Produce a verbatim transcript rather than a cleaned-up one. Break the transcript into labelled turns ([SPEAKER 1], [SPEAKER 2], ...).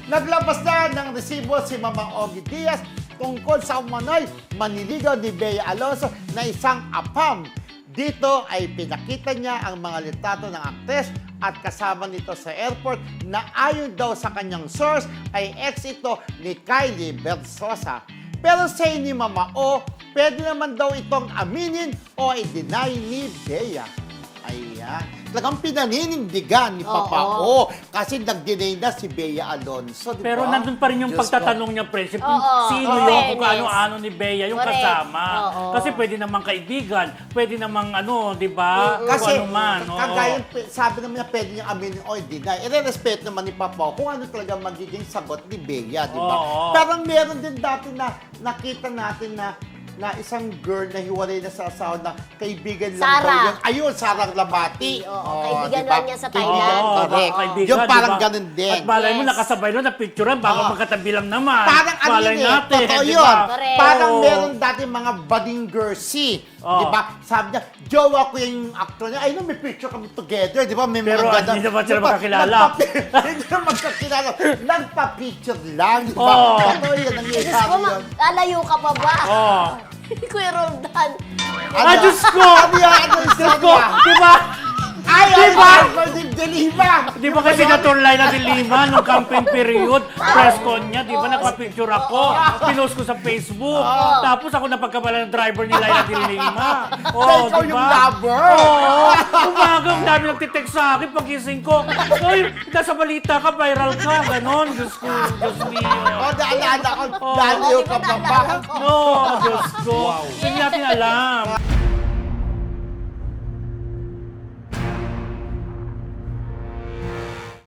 [SPEAKER 1] Naglabas na ng resibo si Mamang Ogie Diaz tungkol sa umano'y manliligaw ni Bea Alonzo na isang apam. Dito ay pinakita niya ang mga litrato ng aktres at kasama nito sa airport na ayon daw sa kanyang source ay ex ito ni Kylie Berzosa. Pero sa ni Mama O, pwede naman daw itong aminin o i-deny ni Bea. Ayan. Talagang pinaninindigan ni Papa O. Kasi nag-deny na si Bea Alonzo. Diba?
[SPEAKER 2] Pero nandun pa rin yung
[SPEAKER 1] Diyos
[SPEAKER 2] pagtatanong niya, Friendship, kung
[SPEAKER 3] Oo,
[SPEAKER 2] sino
[SPEAKER 3] oo.
[SPEAKER 2] yun, kung
[SPEAKER 3] Fairness.
[SPEAKER 2] ano-ano ni Bea yung
[SPEAKER 3] Correct.
[SPEAKER 2] kasama.
[SPEAKER 3] Oo.
[SPEAKER 2] Kasi pwede namang kaibigan, pwede namang ano, di ba?
[SPEAKER 1] Kasi,
[SPEAKER 2] Kung ano man. oo.
[SPEAKER 1] kagaya, sabi naman niya, pwede niyang aminin o i-deny. I-respect naman ni Papa O kung ano talaga magiging sagot ni Bea, di ba?
[SPEAKER 2] Oo.
[SPEAKER 1] Parang meron din dati na nakita natin na na isang girl na hiwalay na sa asawa na kaibigan lang
[SPEAKER 3] Sarah.
[SPEAKER 1] daw yun. Ayun, Sarah Labati.
[SPEAKER 3] Oo, kaibigan
[SPEAKER 1] diba?
[SPEAKER 3] lang niya sa Thailand.
[SPEAKER 1] Kaibigan,
[SPEAKER 2] Oo,
[SPEAKER 1] correct.
[SPEAKER 2] kaibigan,
[SPEAKER 1] Yung parang
[SPEAKER 2] diba?
[SPEAKER 1] ganun din.
[SPEAKER 2] At malay mo,
[SPEAKER 3] Yes.
[SPEAKER 2] nakasabay nun, na-picturean, bago
[SPEAKER 1] Oo.
[SPEAKER 2] magkatabi lang naman.
[SPEAKER 1] Parang ano
[SPEAKER 2] Malay
[SPEAKER 1] yun eh,
[SPEAKER 2] natin,
[SPEAKER 1] totoo
[SPEAKER 2] di
[SPEAKER 1] yun.
[SPEAKER 2] ba?
[SPEAKER 3] Correct.
[SPEAKER 1] Parang
[SPEAKER 2] Oo.
[SPEAKER 1] meron dati mga budding girlsy.
[SPEAKER 2] Oo.
[SPEAKER 1] Di ba? Sabi niya, jowa ko yung actor niya. Ay, no, may picture kami together. Di ba? May
[SPEAKER 2] Pero
[SPEAKER 1] mga
[SPEAKER 2] hindi naman sila magkakilala.
[SPEAKER 1] nagpa- Hindi naman magkakilala. Nagpa-picture lang. Di ba?
[SPEAKER 2] Oo.
[SPEAKER 1] Totoo yun,
[SPEAKER 3] Diyos
[SPEAKER 1] nangyayari
[SPEAKER 3] ko,
[SPEAKER 1] yun.
[SPEAKER 3] lalayo ka pa ba?
[SPEAKER 2] Oo.
[SPEAKER 3] Kuya Roldan.
[SPEAKER 2] Ah, Diyos ko!
[SPEAKER 1] Ano yan? Ano yung
[SPEAKER 2] Diyos ko!
[SPEAKER 1] sabi niya?
[SPEAKER 2] Di ba?
[SPEAKER 1] Ay,
[SPEAKER 2] Di
[SPEAKER 1] ay,
[SPEAKER 2] ba?
[SPEAKER 1] ay, Ferdinand de Lima.
[SPEAKER 2] Di ba kasi naturlay na di Lima nung campaign period, press con niya, di ba nagpa-picture ako, pinost ko sa Facebook, tapos ako napagkabala ng driver ni Laila de Lima.
[SPEAKER 1] So,
[SPEAKER 2] Oh,
[SPEAKER 1] ikaw
[SPEAKER 2] di
[SPEAKER 1] yung
[SPEAKER 2] ba?
[SPEAKER 1] lover.
[SPEAKER 2] Oo. Umaga, ang dami nagtitext sa akin pagising ko. Oy, nasa balita ka, viral ka, ganon. Diyos ko, Diyos mio.
[SPEAKER 1] O, naalala ko.
[SPEAKER 2] Oo.
[SPEAKER 1] Daliw
[SPEAKER 3] Di
[SPEAKER 1] ka
[SPEAKER 3] ba
[SPEAKER 1] pa ba?
[SPEAKER 3] naalala ko?
[SPEAKER 2] No, Diyos ko. Hindi natin alam.